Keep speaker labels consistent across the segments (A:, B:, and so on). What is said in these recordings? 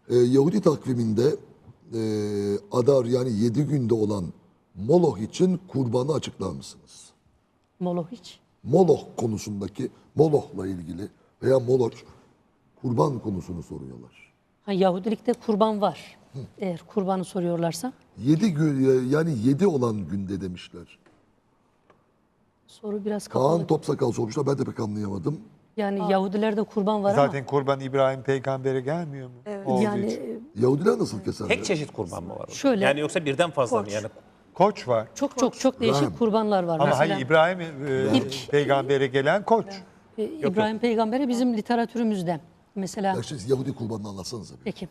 A: Yahudi takviminde Adar yani 7 günde olan Moloch için kurbanı açıklar mısınız?
B: Moloch hiç.
A: Moloch konusundaki Moloch'la ilgili veya Moloch kurban konusunu soruyorlar.
B: Ha, Yahudilikte kurban var. Eğer kurbanı soruyorlarsa.
A: 7 gün yani 7 olan günde demişler.
B: Soru biraz kapalı.
A: Kaan Topsakal sormuşlar, ben de pek anlayamadım.
B: Yani Yahudilerde kurban var
C: Zaten kurban İbrahim peygambere gelmiyor mu?
D: Evet.
B: ama
C: Olduğu
B: yani
C: için.
A: Yahudiler nasıl keserler?
E: Tek çeşit kurban mı var orada?
B: Şöyle-
E: Yani yoksa birden fazla mı?
D: Koç.
E: Yani
C: Koç var.
B: çok değişik
A: Rahim.
B: kurbanlar var.
C: Ama
B: Mesela
C: hayır İbrahim peygambere gelen koç.
B: İbrahim Peygamber'e bizim literatürümüzde mesela
A: Ya siz Yahudi kurbanını anlatsanıza bir.
B: peki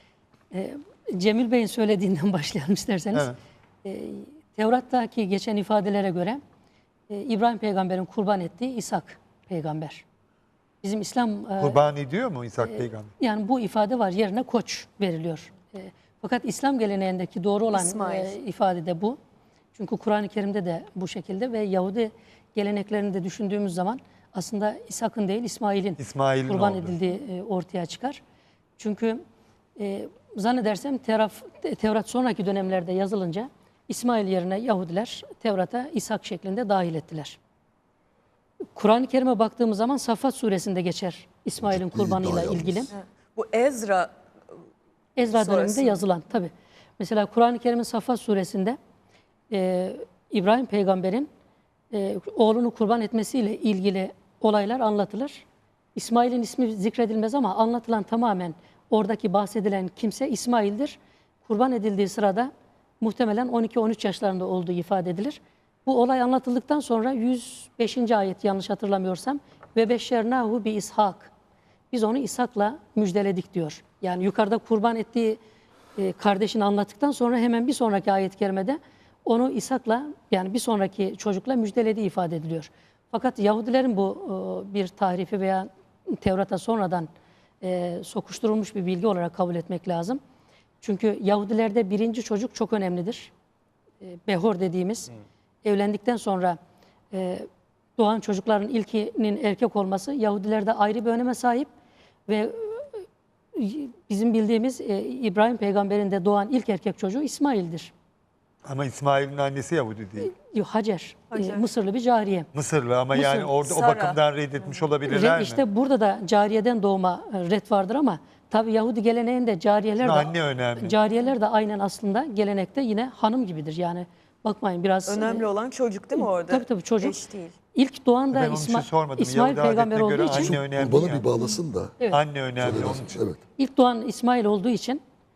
B: Cemil Bey'in söylediğinden başlayalım isterseniz.
C: Evet.
B: Tevrat'taki geçen ifadelere göre İbrahim Peygamber'in kurban ettiği İshak Peygamber. Bizim İslam
C: Kurban ediyor mu İshak peygamber?
B: yani bu ifade var, yerine koç veriliyor. Fakat İslam geleneğindeki doğru olan
D: İsmail.
B: ifade de bu. Çünkü Kur'an-ı Kerim'de de bu şekilde ve Yahudi geleneklerini de düşündüğümüz zaman aslında İshak'ın değil İsmail'in kurban
C: oldu.
B: edildiği ortaya çıkar. Çünkü zannedersem Tevrat sonraki dönemlerde yazılınca İsmail yerine Yahudiler Tevrat'a İshak şeklinde dahil ettiler. Kur'an-ı Kerim'e baktığımız zaman Saffat suresinde geçer İsmail'in
A: Ciddi
B: kurbanıyla
A: iddia
B: ilgili.
A: yalnız.
D: Bu Ezra
B: Ezra döneminde
D: sonrasında.
B: yazılan tabi. Mesela Kur'an-ı Kerim'in Saffat suresinde İbrahim peygamberin oğlunu kurban etmesiyle ilgili olaylar anlatılır. İsmail'in ismi zikredilmez ama anlatılan tamamen oradaki bahsedilen kimse İsmail'dir. Kurban edildiği sırada muhtemelen 12-13 yaşlarında olduğu ifade edilir. Bu olay anlatıldıktan sonra 105. ayet yanlış hatırlamıyorsam ve beşşernahu bi İshak. Biz onu İshak'la müjdeledik diyor. Yani yukarıda kurban ettiği kardeşini anlattıktan sonra hemen bir sonraki ayet-i kerimede onu İshak'la yani bir sonraki çocukla müjdelediği ifade ediliyor. Fakat Yahudilerin bu bir tahrifi veya Tevrat'a sonradan sokuşturulmuş bir bilgi olarak kabul etmek lazım. Çünkü Yahudilerde birinci çocuk çok önemlidir. Behor dediğimiz evlendikten sonra doğan çocukların ilkinin erkek olması Yahudilerde ayrı bir öneme sahip ve bizim bildiğimiz İbrahim peygamberin de doğan ilk erkek çocuğu İsmail'dir.
C: Ama İsmail'in annesi Yahudi değil.
B: Hacer,
D: Hacer.
B: Mısırlı bir cariye.
C: Mısırlı ama yani
B: Mısır.
C: orada o
D: Sara.
C: bakımdan reddetmiş olabilirler mi?
B: İşte burada da cariyeden doğma ret vardır ama tabi Yahudi geleneğinde cariyeler de
C: Anne önemli.
B: Cariyeler de aynen aslında gelenekte yine hanım gibidir. Yani bakmayın biraz
D: önemli olan çocuk değil mi orada?
B: tabii çocuk.
D: Eş değil.
B: İlk doğan da
C: Ben onun için sormadım.
B: İsmail
C: Yahudi
B: peygamber
C: adetine
B: olduğu
C: göre
B: için
C: anne önemli
A: Kurbanı
C: yani.
A: bir bağlasın da.
B: Evet.
C: Anne önemli onun için.
A: Evet.
B: ilk doğan İsmail olduğu için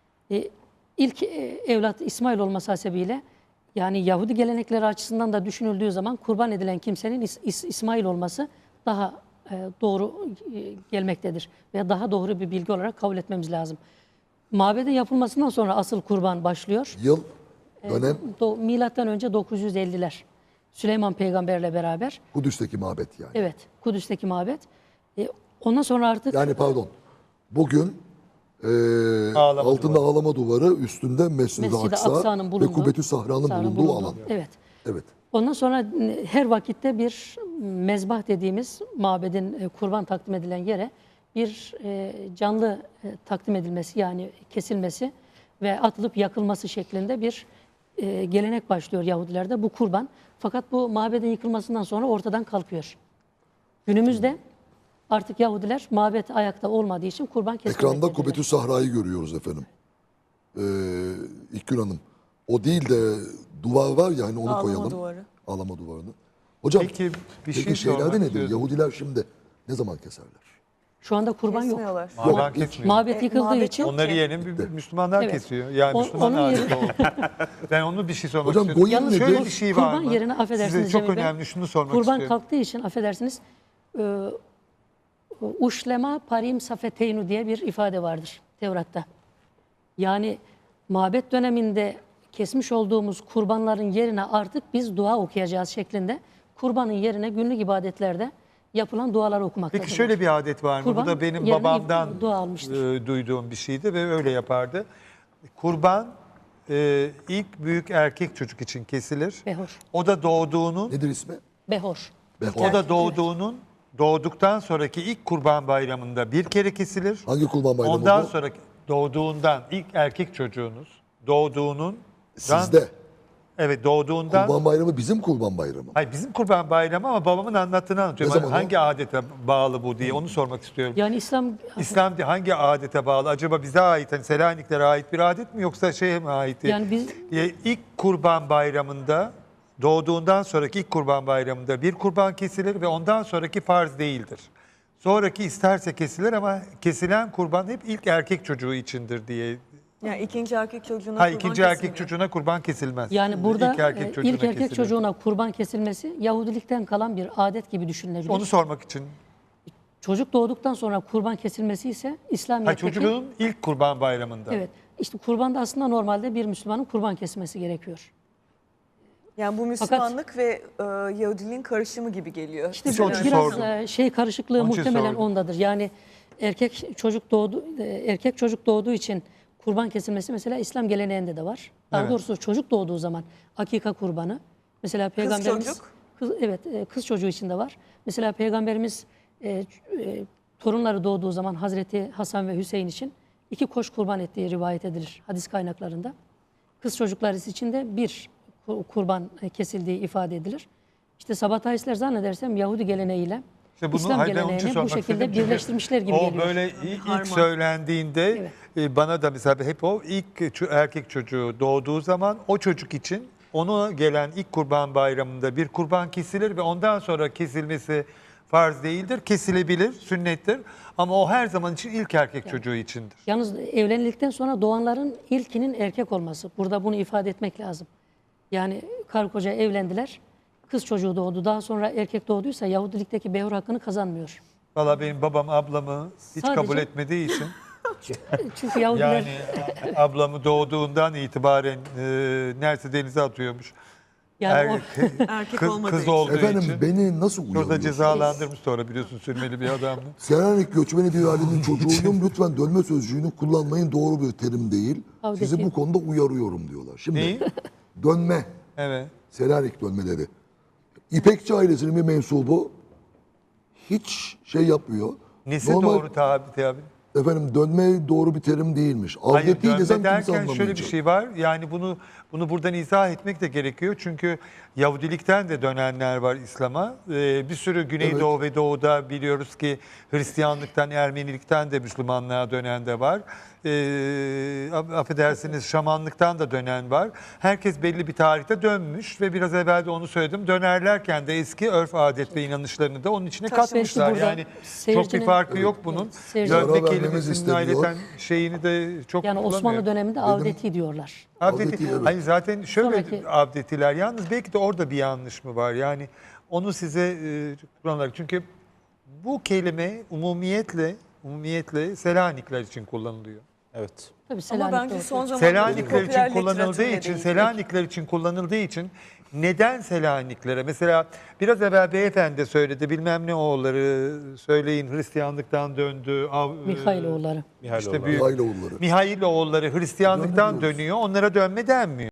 B: ilk evlat İsmail olması hasebiyle yani Yahudi gelenekleri açısından da düşünüldüğü zaman kurban edilen kimsenin İsmail olması daha doğru gelmektedir. Ve daha doğru bir bilgi olarak kabul etmemiz lazım. Mabedin yapılmasından sonra asıl kurban başlıyor.
A: Yıl, dönem
B: Milattan önce 950'ler. Süleyman peygamberle beraber.
A: Kudüs'teki mabet yani.
B: Evet, Kudüs'teki mabet. Ondan sonra artık
A: Yani pardon. Bugün
C: Ağlama
A: altında ağlama duvarı, üstünde Mescid-i
B: Mescid-i
A: Aksa
B: Aksa'nın
A: ve
B: bulunduğu,
A: Kubbetü Sahra'nın
B: Sahra'nın
A: bulunduğu alan.
B: Evet.
A: Evet.
B: Ondan sonra her vakitte bir mezbah dediğimiz mabedin kurban takdim edilen yere bir canlı takdim edilmesi yani kesilmesi ve atılıp yakılması şeklinde bir gelenek başlıyor Yahudilerde bu kurban. Fakat bu mabedin yıkılmasından sonra ortadan kalkıyor. Günümüzde artık Yahudiler mabet ayakta olmadığı için kurban kesmemektedirler.
A: Ekranda Kubbetü Sahra'yı görüyoruz efendim. İlkgün Hanım. O değil de duvar var ya hani onu
D: Ağlama
A: koyalım.
D: duvarı.
A: Ağlama duvarını. Hocam
C: Peki, bir şey
A: peki şeylerde
C: sormak
A: nedir?
C: istiyorum.
A: Yahudiler şimdi ne zaman keserler?
B: Şu anda kurban yok.
D: Kesmiyorlar.
C: Kurban
A: hiç.
C: kesmiyor.
B: Mabet yıkıldığı
D: mabet
B: için
D: yok.
C: Onları yerin Müslümanlar
B: Evet.
C: kesiyor. Yani
B: O-
C: Müslüman
B: onun
C: adeti
B: yerine-
C: oldu. Ben onu bir şey sormak
A: Hocam,
C: istiyorum.
A: goyim nedir?
C: Şöyle bir şey var
B: kurban
C: mı?
B: yerine affedersiniz
C: Size çok
B: Cemil Bey,
C: önemli şunu sormak
B: kurban
C: istiyorum.
B: kalktığı için affedersiniz uşlema parim safeteynu diye bir ifade vardır Tevrat'ta. Yani mabet döneminde kesmiş olduğumuz kurbanların yerine artık biz dua okuyacağız şeklinde kurbanın yerine günlük ibadetlerde yapılan duaları okumaktadır.
C: Peki şöyle bir adet var mı?
B: Kurban
C: Bu da benim
B: yerine
C: babamdan
B: dua almıştır.
C: duyduğum bir şeydi ve öyle yapardı. Kurban ilk büyük erkek çocuk için kesilir.
B: Behor.
C: O da doğduğunun,
A: Nedir ismi?
B: Behor.
A: Behor.
C: o da doğduğundan sonraki ilk kurban bayramında bir kere kesilir.
A: Hangi kurban bayramı
C: Ondan
A: bu?
C: sonraki doğduğundan ilk erkek çocuğunuz doğduğunun
A: Sizde.
C: evet doğduğundan
A: Kurban Bayramı bizim Kurban Bayramı.
C: hayır bizim Kurban Bayramı ama babamın anlattığını anlatıyorum.
A: Ne zaman
C: Hangi adete bağlı bu diye onu sormak istiyorum.
B: Yani İslam
C: İslam hangi adete bağlı? Acaba bize ait, hani Selaniklere ait bir adet mi yoksa şeye mi ait?
B: Yani biz
C: İlk Kurban Bayramı'nda doğduğundan sonraki ilk Kurban Bayramı'nda bir kurban kesilir ve ondan sonraki farz değildir. Sonraki isterse kesilir ama kesilen kurban hep ilk erkek çocuğu içindir diye.
D: Yani ikinci erkek çocuğuna
C: Hayır,
D: kurban
C: ikinci erkek
D: kesilmiyor.
C: çocuğuna kurban kesilmez.
B: yani burada
C: İlk erkek çocuğuna
B: ilk erkek
C: kesilir.
B: çocuğuna kurban kesilmesi Yahudilikten kalan bir adet gibi düşünülebilir.
C: Onu sormak için.
B: Çocuk doğduktan sonra kurban kesilmesi ise
C: Hayır,
B: İslamiyet'teki
C: çocuğun ilk Kurban Bayramı'nda.
B: evet. İşte kurbanda aslında normalde bir Müslümanın kurban kesmesi gerekiyor.
D: Yani bu Müslümanlık ve Yahudiliğin karışımı gibi geliyor.
B: İşte
C: İşte onun için
B: biraz
C: sordum.
B: şey karışıklığı
C: Onun için
B: muhtemelen
C: sordum.
B: ondadır. Yani erkek çocuk doğduğu için kurban kesilmesi mesela İslam geleneğinde de var. Daha
C: Evet.
B: doğrusu çocuk doğduğu zaman akika kurbanı. Mesela peygamberimiz
D: çocuk?
B: kız çocuğu için de var. Mesela peygamberimiz torunları doğduğu zaman Hazreti Hasan ve Hüseyin için 2 koç kurban ettiği rivayet edilir hadis kaynaklarında. Kız çocukları için de bir kurban kesildiği ifade edilir. İşte Sabatayistler zannedersem Yahudi geleneğiyle
C: İşte bunu
B: İslam
C: hayır, ben onun için
B: geleneğini bu
C: sormak
B: şekilde
C: istedim. Çünkü
B: birleştirmişler gibi
C: o
B: geliyor.
C: böyle
D: Harman.
C: ilk söylendiğinde bana da mesela hep o ilk erkek çocuğu doğduğu zaman o çocuk için ona gelen ilk Kurban Bayramı'nda bir kurban kesilir ve ondan sonra kesilmesi farz değildir. Kesilebilir, sünnettir ama o her zaman için ilk erkek çocuğu içindir.
B: Yalnız evlendikten sonra doğanların ilkinin erkek olması. Burada bunu ifade etmek lazım. Yani karı koca evlendiler. Kız çocuğu doğdu. Daha sonra erkek doğduysa Yahudilikteki behur hakkını kazanmıyor.
C: Valla benim babam ablamı hiç
B: Sadece-
C: kabul etmediği için
B: Çünkü Yahudiler
C: yani ablamı doğduğundan itibaren neredeyse denize atıyormuş.
B: yani o,
D: Erkek
C: kız,
D: olmadığı
C: kız
D: için.
C: olduğu
A: Efendim
C: için.
A: beni nasıl
C: Şurada
A: uyarıyorsunuz?
C: cezalandırmış sonra biliyorsun sürmeli bir adamdı.
A: Selanik göçmeni bir ailenin çocuğuyum. Lütfen dönme sözcüğünü kullanmayın. Doğru bir terim değil.
B: Avdeti.
A: Sizi bu konuda uyarıyorum diyorlar. Şimdi
C: Neyi?
A: dönme.
C: Evet.
A: Selanik dönmeleri. İpekçi ailesinin bir mensubu hiç şey yapmıyor.
C: Nesi
A: Normal-
C: doğru tabi?
A: Efendim dönme doğru bir terim değilmiş.
C: Hayır,
A: Avdeti
C: dönme
A: desem kimse
C: derken şöyle bir
A: anlamayacak.
C: şey var. Yani bunu buradan izah etmek de gerekiyor. Çünkü Yahudilikten de dönenler var İslam'a. Bir sürü Güneydoğu ve Doğu'da biliyoruz ki Hristiyanlıktan, Ermenilikten de Müslümanlığa dönen de var. Affedersiniz Şamanlıktan da dönen var. Herkes belli bir tarihte dönmüş ve biraz evvel de onu söyledim. Dönerlerken de eski örf adet ve inanışlarını da onun içine katmışlar.
B: burada
C: Yani çok bir
B: seyircinin-
C: farkı yok bunun.
B: seyircinin-
C: Dönme
A: Ara vermemiz
C: kelimesinin
A: isteniyor.
C: aileten şeyini de çok
B: yani Osmanlı
C: kullanıyor.
B: döneminde avdeti diyorlar.
C: Avdeti.
A: evet.
C: Hayır zaten şöyle
B: Sonraki-
C: avdetiler. Yalnız belki de orada bir yanlış mı var? Yani onu size kullanarak. Çünkü bu kelime umumiyetle Selanikler için kullanılıyor.
E: Evet.
B: Tabii
D: Ama
B: Selanik'te
D: bence
B: ortaya
D: son zamanlarda
C: Selanikler için
D: popüler
C: kullanıldığı
D: literatürle
C: için,
D: değil.
C: Selanikler için kullanıldığı için neden Selaniklere? Mesela biraz evvel beyefendi de söyledi. Bilmem ne oğulları söyleyin Hristiyanlıktan döndü.
B: Mihailoğulları.
C: İşte büyük
A: Aileoğulları.
C: Mihailoğulları Hristiyanlıktan
A: Dönmüyoruz.
C: dönüyor. Onlara dönme denmiyor.